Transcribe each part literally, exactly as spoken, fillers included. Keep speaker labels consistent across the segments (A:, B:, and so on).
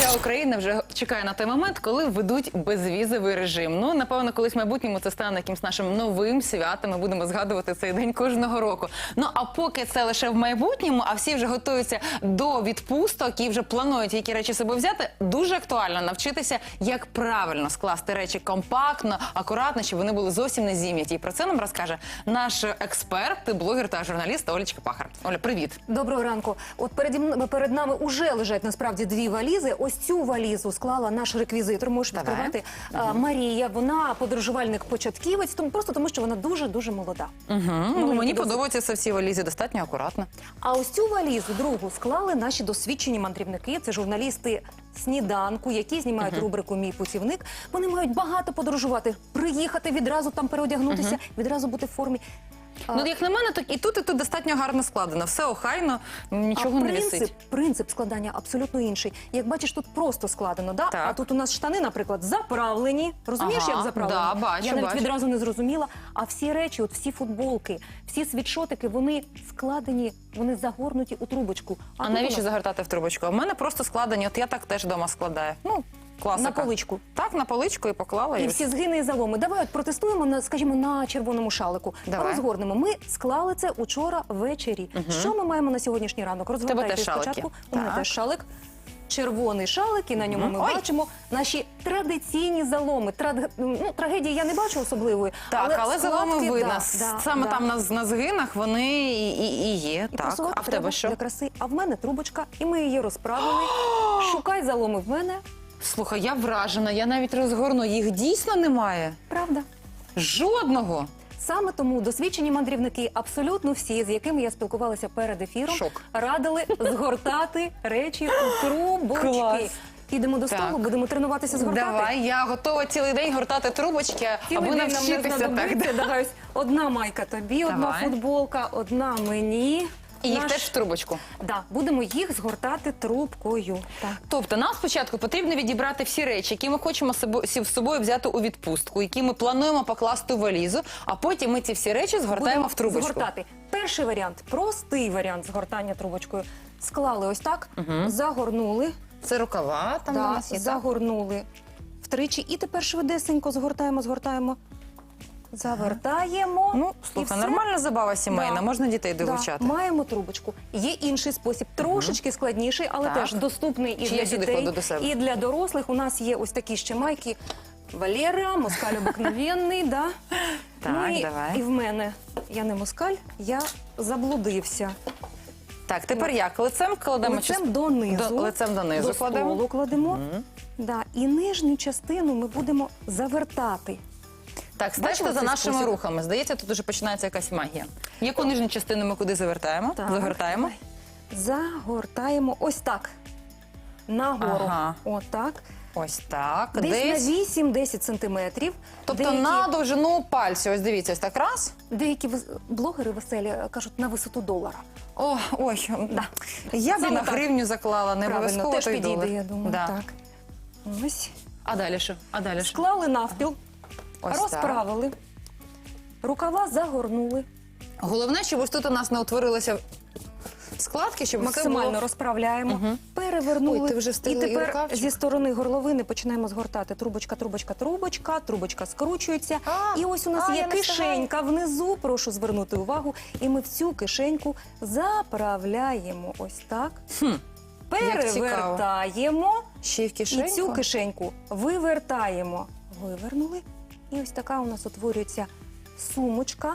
A: вся Україна вже чекає на той момент, коли введуть безвізовий режим. Ну, напевно, колись в майбутньому це стане якимось нашим новим святом. Ми будемо згадувати цей день кожного року. Ну, а поки це лише в майбутньому, а всі вже готуються до відпусток і вже планують, які речі з собою взяти, дуже актуально навчитися, як правильно скласти речі компактно, акуратно, щоб вони були зовсім не зім'яті. І про це нам розкаже наш експерт, блогер та журналіст Олечка Пахар. Оля, привіт.
B: Доброго ранку. От перед, перед нами уже лежать насправді дві валізи. Ось цю валізу склала наш реквізитор, можеш відкривати, угу. Марія. Вона подорожувальник-початківець, тому просто тому, що вона дуже-дуже молода.
A: Угу. Ну, мені досить... подобається це всі валізи, достатньо акуратно.
B: А ось цю валізу, другу, склали наші досвідчені мандрівники. Це журналісти «Сніданку», які знімають угу. рубрику «Мій путівник». Вони мають багато подорожувати, приїхати, відразу там переодягнутися, угу. відразу бути в формі.
A: Ну, як на мене, то і тут, і тут достатньо гарно складено. Все охайно, нічого
B: а
A: не
B: принцип,
A: висить.
B: принцип складання абсолютно інший. Як бачиш, тут просто складено, да? А тут у нас штани, наприклад, заправлені. Розумієш,
A: ага,
B: як заправлені?
A: Да, бачу,
B: Я навіть
A: бачу.
B: відразу не зрозуміла. А всі речі, от всі футболки, всі світшотики, вони складені, вони загорнуті у трубочку.
A: А,
B: а
A: навіщо
B: нас...
A: загортати в трубочку? У мене просто складені, от я так теж вдома складаю. Ну, класика.
B: На поличку.
A: Так, на поличку і поклала.
B: І,
A: і
B: всі згини і заломи. Давай от протестуємо, на, скажімо, на червоному шалику.
A: Давай.
B: Розгорнемо. Ми склали це учора ввечері. Угу. Що ми маємо на сьогоднішній ранок? Розгортайте спочатку. У мене теж шалик. Червоний шалик, і на ньому mm -hmm. ми
A: Ой.
B: бачимо наші традиційні заломи. Трад... Ну, трагедії я не бачу особливої.
A: Так, але, але заломи видно.
B: Да,
A: Саме
B: да.
A: там на, на згинах вони і, і, і є.
B: І
A: так. А в тебе що?
B: Для краси. А в мене трубочка, і ми її розправили. Шукай заломи в мене.
A: Слухай, я вражена, я навіть розгорну. Їх дійсно немає?
B: Правда.
A: Жодного?
B: Саме тому досвідчені мандрівники, абсолютно всі, з якими я спілкувалася перед ефіром,
A: Шок.
B: радили згортати речі у трубочки.
A: Клас.
B: Підемо до столу, будемо тренуватися згортати.
A: Давай, я готова цілий день гортати трубочки,
B: цілий
A: аби
B: день
A: навчитися
B: нам не
A: так.
B: Давай, ось одна майка тобі,
A: Давай.
B: одна футболка, одна мені.
A: І їх
B: Наш...
A: теж в трубочку?
B: Да, будемо їх згортати трубкою. Так.
A: Тобто нам спочатку потрібно відібрати всі речі, які ми хочемо з собою взяти у відпустку, які ми плануємо покласти у валізу, а потім ми ці всі речі згортаємо
B: будемо
A: в трубочку.
B: Згортати. Перший варіант, простий варіант згортання трубочкою. Склали ось так, угу. загорнули.
A: Це рукава там
B: да,
A: у нас є,
B: загорнули втричі. І тепер швидесенько згортаємо, згортаємо. Завертаємо.
A: Ну, слухай, нормальна забава сімейна, да. можна дітей долучати.
B: Да. Маємо трубочку. Є інший спосіб, трошечки складніший, але
A: так.
B: теж доступний і
A: Чи
B: для дітей,
A: до себе?
B: і для дорослих. У нас є ось такі ще майки. Валера, москаль обикновенний, да?
A: Так,
B: ну, і,
A: давай.
B: І в мене, я не москаль, я заблудився.
A: Так, тепер як? Лицем кладемо?
B: Лицем
A: чи...
B: донизу.
A: До, лицем донизу
B: до
A: кладемо.
B: столу кладемо.
A: Угу.
B: Да. І нижню частину ми будемо завертати.
A: Так, стежте за нашими
B: спосіб? рухами.
A: Здається, тут вже починається якась магія. Яку нижню частину ми куди завертаємо?
B: Так,
A: Загортаємо?
B: давай. Загортаємо ось так. Нагору.
A: Ага.
B: Отак.
A: Ось так.
B: Десь,
A: Десь
B: на вісім-десять сантиметрів.
A: Тобто
B: деякі...
A: на довжину пальця. Ось дивіться, ось так раз.
B: Деякі блогери веселі кажуть на висоту долара.
A: О, ой,
B: да.
A: я б на
B: так.
A: гривню заклала, не обов'язково
B: теж
A: той
B: підійде,
A: долар.
B: я думаю.
A: Да.
B: Так. Ось.
A: А далі що? А далі що?
B: Склали навпіл,
A: Ось
B: розправили,
A: так.
B: рукава загорнули.
A: Головне, щоб ось тут у нас не утворилися складки, щоб
B: максимально
A: було...
B: розправляємо,
A: угу.
B: перевернули.
A: Ой, ти вже
B: і тепер
A: і
B: зі сторони горловини починаємо згортати. Трубочка, трубочка, трубочка, трубочка скручується.
A: А,
B: і ось у нас
A: а,
B: є кишенька внизу, прошу звернути увагу. І ми в цю кишеньку заправляємо ось так.
A: Хм,
B: перевертаємо.
A: Ще й в кишеньку?
B: І цю кишеньку вивертаємо. Вивернули. І ось така у нас утворюється сумочка.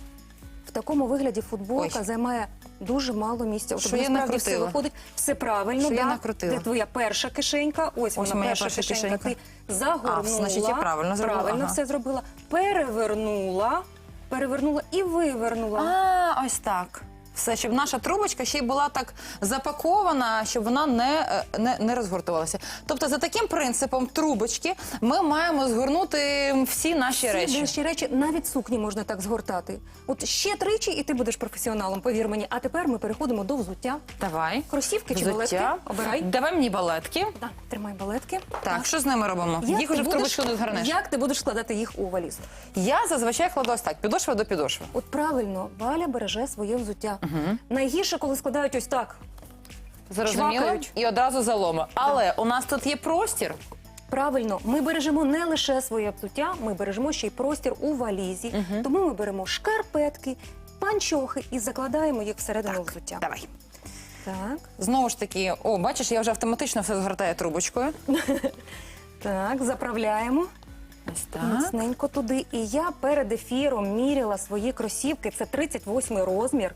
B: В такому вигляді футболка Ой. займає дуже мало місця.
A: Що я накрутила?
B: Все виходить, все правильно.
A: Що
B: да?
A: я накрутила?
B: Це твоя перша кишенька. Ось,
A: Ось
B: вона,
A: перша
B: перша кишенька.
A: кишенька.
B: Ти загорнула.
A: А, значить, я правильно зробила.
B: Правильно
A: ага.
B: все зробила. Перевернула, перевернула і вивернула.
A: А, ось так. Все, щоб наша трубочка ще й була так запакована, щоб вона не, не, не розгортувалася. Тобто за таким принципом трубочки ми маємо згорнути всі наші
B: всі
A: речі.
B: Всі речі, навіть сукні можна так згортати. От ще тричі і ти будеш професіоналом, повір мені. А тепер ми переходимо до взуття.
A: Давай.
B: Кросівки чи балетки? Обирай.
A: Давай мені балетки.
B: Да, тримай балетки.
A: Так,
B: так,
A: що з ними робимо?
B: Як
A: їх уже в трубочку не згорнеш.
B: Як ти будеш складати їх у валізу?
A: Я зазвичай кладу ось так, підошва до підошви.
B: От правильно, Валя береже своє взуття.
A: Угу.
B: Найгірше, коли складають ось так.
A: Зрозуміло.
B: чвакають.
A: І одразу заломи. Але у нас тут є простір.
B: Правильно, ми бережемо не лише своє взуття, ми бережемо ще й простір у валізі. Тому ми беремо шкарпетки, панчохи і закладаємо їх всередину взуття.
A: Давай.
B: Так,
A: Знову ж таки, о, бачиш, я вже автоматично все згортаю трубочкою.
B: так, заправляємо.
A: Ось так.
B: Міцненько туди. І я перед ефіром міряла свої кросівки. Це тридцять восьмий розмір.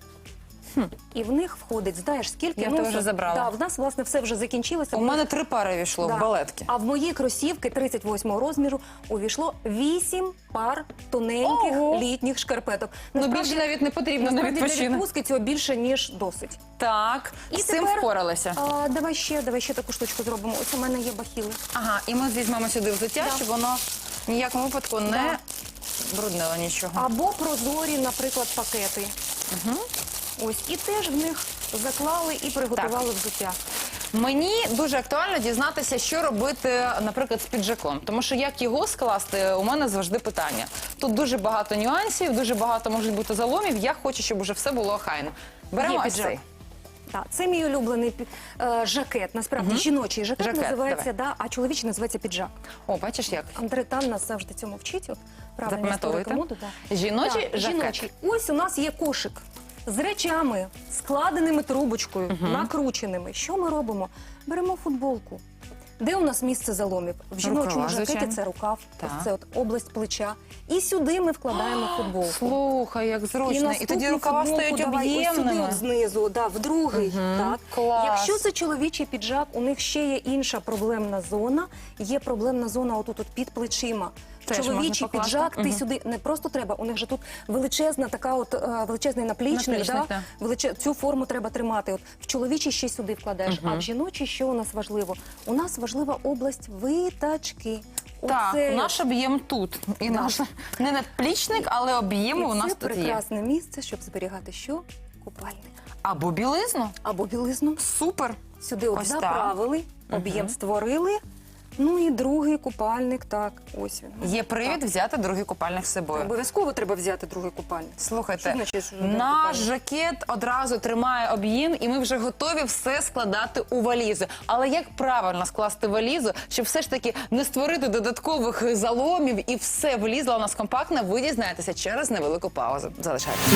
B: І в них входить, знаєш, скільки?
A: Я
B: ну,
A: тебе вже забрала.
B: Да, в нас, власне, все вже закінчилося.
A: У мене три пари війшло
B: Да.
A: в балетки.
B: А в мої кросівки тридцять восьмого розміру увійшло вісім пар тоненьких
A: Ого.
B: літніх шкарпеток.
A: Ну, більше навіть не потрібно на
B: насправді для
A: відпочинок.
B: відпустки цього більше, ніж досить.
A: Так,
B: І
A: з цим
B: тепер,
A: впоралися.
B: А, давай ще, давай ще таку штучку зробимо. Ось у мене є бахіли.
A: Ага, і ми візьмемо сюди взуття,
B: Да.
A: щоб воно в ніякому випадку не бруднило нічого.
B: Або прозорі, наприклад, пакети.
A: Угу.
B: Ось, і теж в них заклали і приготували взуття.
A: Мені дуже актуально дізнатися, що робити, наприклад, з піджаком. Тому що як його скласти, у мене завжди питання. Тут дуже багато нюансів, дуже багато можуть бути заломів. Я хочу, щоб уже все було охайно. Беремо
B: Є
A: ось
B: піджак.
A: цей.
B: Так, це мій улюблений пі- е, жакет. Насправді жіночий жакет,
A: Жакет,
B: називається, да, а чоловічий називається піджак.
A: О, бачиш як?
B: Андре Тан нас завжди цьому вчить. От, правильно,
A: Запам'ятовуєте?
B: історика моди, да.
A: Жіночий
B: Так,
A: жакет.
B: жіночий. Ось у нас є кошик з речами, складеними трубочкою, накрученими. Що ми робимо? Беремо футболку. Де у нас місце заломів? В жіночому
A: Рукава,
B: жакеті
A: звичайно.
B: це рукав,
A: Так.
B: ось це от область плеча. І сюди ми вкладаємо футболку.
A: Слухай, як зручно. І,
B: наступну
A: тоді рукава
B: футболку
A: стають
B: давай ось сюди
A: об'ємними.
B: от знизу, да, в другий. Так.
A: Клас.
B: Якщо це чоловічий піджак, у них ще є інша проблемна зона. Є проблемна зона отут от під плечима.
A: Теж можна
B: Чоловічий
A: покласти.
B: піджак, ти
A: Мгм.
B: сюди не просто треба, у них же тут величезна така от е, величезний наплічник,
A: Наплічник,
B: да?
A: да.
B: Величе... цю форму треба тримати. От в чоловічий ще сюди вкладаєш, а в жіночий що у нас важливо? У нас важлива область витачки.
A: Так,
B: Оце-
A: наш об'єм тут. І наш не надплічник, але об'єм
B: І
A: у нас
B: це
A: тут є.
B: прекрасне місце, щоб зберігати що? Купальник.
A: Або білизну.
B: Або білизну.
A: Супер.
B: Сюди от
A: Ось так.
B: заправили, об'єм створили. Ну і другий купальник, так, ось він.
A: Є привід взяти другий купальник з собою.
B: Обов'язково треба взяти другий купальник.
A: Слухайте,
B: Що значить, що другий
A: наш
B: купальник?
A: жакет одразу тримає об'єм, і ми вже готові все складати у валізу. Але як правильно скласти валізу, щоб все ж таки не створити додаткових заломів і все влізло у нас компактно, ви дізнаєтеся через невелику паузу. Залишайтеся.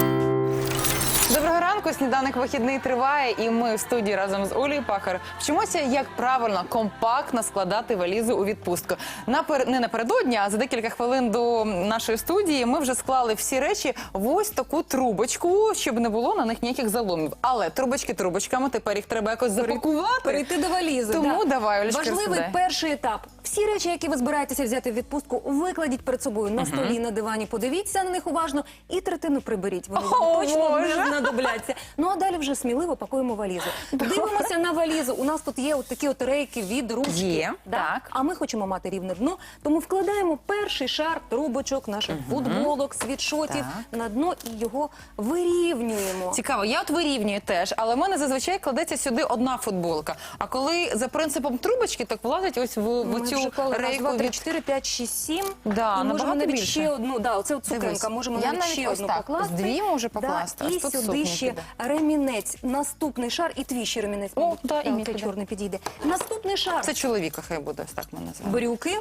A: Доброго ранку, сніданок вихідний триває, і ми в студії разом з Олею Пахар вчимося, як правильно компактно складати валізу у відпустку. Напер... Не напередодні, а за декілька хвилин до нашої студії ми вже склали всі речі в ось таку трубочку, щоб не було на них ніяких заломів. Але трубочки трубочками, тепер їх треба якось запакувати.
B: Перейти до валізи.
A: Тому
B: да.
A: давай, Олечка,
B: Важливий
A: розповідай.
B: перший етап. Всі речі, які ви збираєтеся взяти в відпустку, викладіть перед собою на столі, на дивані, подивіться на них уважно і третину приберіть. Вони
A: О,
B: вам точно
A: Боже!
B: не знадобляться. Ну а далі вже сміливо пакуємо валізу. Дивимося на валізу. У нас тут є от такі от рейки від ручки.
A: Є,
B: Да?
A: так.
B: А ми хочемо мати рівне дно, тому вкладаємо перший шар трубочок, наших футболок, світшотів на дно і його вирівнюємо.
A: Цікаво, я от вирівнюю теж, але в мене зазвичай кладеться сюди одна футболка. А коли за принципом трубочки, так влазить ось в, в
B: Ми
A: цю
B: вже клали раз,
A: рейку
B: два, три,
A: від...
B: чотири, п'ять, шість, сім.
A: Да,
B: і можемо
A: набагато
B: навіть
A: більше.
B: ще одну. Да, оце от цукенка.
A: Дивись,
B: Можемо
A: я
B: навіть
A: навіть
B: ще
A: ось
B: одну
A: так,
B: покласти.
A: з дві можу покласти,
B: Да,
A: ось
B: і
A: тут
B: сюди
A: сукні
B: ще
A: піде.
B: ремінець. Наступний шар і твій ще ремінець.
A: О,
B: мабуть.
A: да, і
B: Так,
A: мій
B: цей
A: піде.
B: чорний підійде. Наступний шар.
A: Це чоловіка хай буде, ось так ми називаємо.
B: Брюки,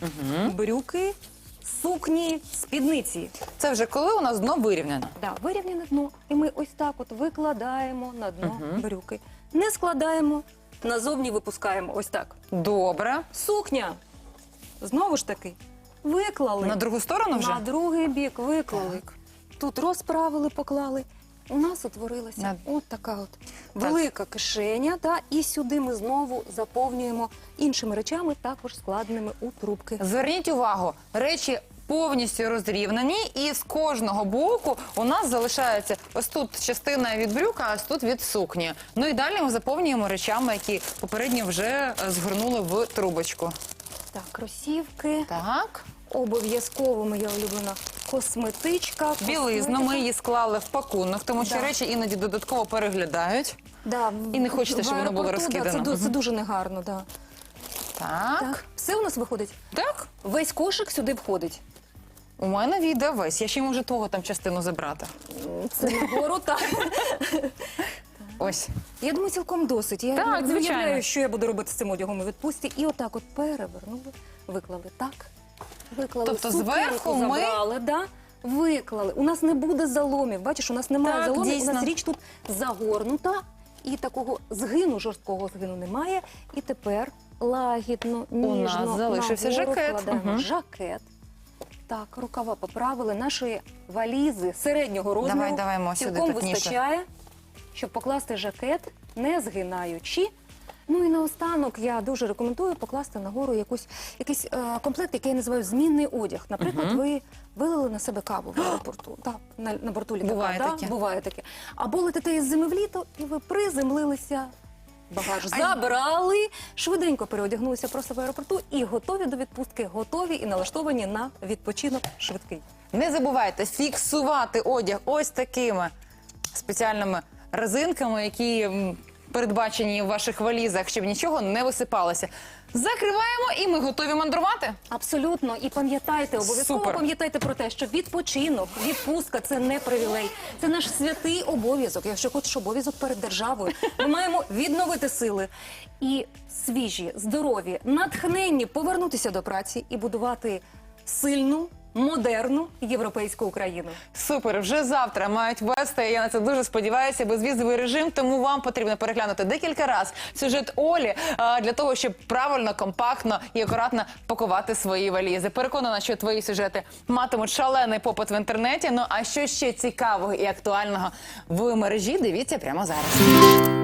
B: брюки, сукні, спідниці.
A: Це вже коли у нас дно вирівняно.
B: Да, вирівняне дно. І ми ось так от викладаємо на дно брюки. Не складаємо, назовні випускаємо. Ось так.
A: Добре.
B: Сукня. Знову ж таки, виклали.
A: На другу сторону вже?
B: На другий бік виклали.
A: Так.
B: Тут розправили, поклали. У нас утворилася
A: На-
B: от така от велика кишеня. Та, і сюди ми знову заповнюємо іншими речами, також складеними у трубки.
A: Зверніть увагу, речі повністю розрівнені, і з кожного боку у нас залишається ось тут частина від брюка, а ось тут від сукні. Ну і далі ми заповнюємо речами, які попередньо вже е, згорнули в трубочку.
B: Так, кросівки.
A: Так.
B: Обов'язково моя улюблена косметичка.
A: Білизну ми
B: косметика.
A: її склали в пакунок, тому що
B: Да.
A: речі іноді додатково переглядають.
B: Да,
A: І не хочете,
B: в
A: щоб воно було
B: аеропорту, да,
A: розкидано.
B: це, ду- це дуже негарно, да.
A: Так.
B: Так. Все у нас виходить.
A: Так.
B: Весь кошик сюди входить.
A: У мене відео весь. Я ще й можу того там частину забрати.
B: Це нагору, так.
A: Ось.
B: Я думаю, цілком досить. Я
A: Так,
B: не
A: звичайно.
B: уявляю, що я буду робити з цим одягом у відпустці. І отак от перевернули, виклали так, виклали.
A: Тобто
B: сукенку
A: зверху ми-
B: забрали, да, виклали. У нас не буде заломів. Бачиш, у нас немає
A: Так,
B: заломів,
A: дійсно.
B: у нас річ тут загорнута. І такого згину, жорсткого згину немає. І тепер лагідно, ніжно
A: нас залишився
B: нагору
A: жакет.
B: вкладаємо
A: Мгм.
B: жакет. Так, рукава поправили. Наші валізи середнього розміру
A: Давай, давай, Мо, сюди,
B: цілком
A: тут ніше.
B: вистачає, щоб покласти жакет, не згинаючи. Ну і наостанок я дуже рекомендую покласти нагору якусь, якийсь е, комплект, який я називаю змінний одяг. Наприклад, ви вилили на себе каву в аеропорту, так, на, на борту літака.
A: Буває
B: да?
A: таке.
B: Буває таке. Або летите із зими в літо, і ви приземлилися, багаж
A: А-
B: забрали, швиденько переодягнулися просто в аеропорту і готові до відпустки, готові і налаштовані на відпочинок швидкий.
A: Не забувайте фіксувати одяг ось такими спеціальними резинками, які м, передбачені в ваших валізах, щоб нічого не висипалося. Закриваємо і ми готові мандрувати.
B: Абсолютно. І пам'ятайте, обов'язково
A: Супер.
B: пам'ятайте про те, що відпочинок, відпустка – це не привілей. Це наш святий обов'язок. Якщо хочеш обов'язок перед державою, ми маємо відновити сили і свіжі, здорові, натхненні повернутися до праці і будувати сильну, модерну європейську Україну.
A: Супер, вже завтра мають вести, я на це дуже сподіваюся, безвізовий режим, тому вам потрібно переглянути декілька разів сюжет Олі а, для того, щоб правильно, компактно і акуратно пакувати свої валізи. Переконана, що твої сюжети матимуть шалений попит в інтернеті. Ну а що ще цікавого і актуального в мережі, дивіться прямо зараз.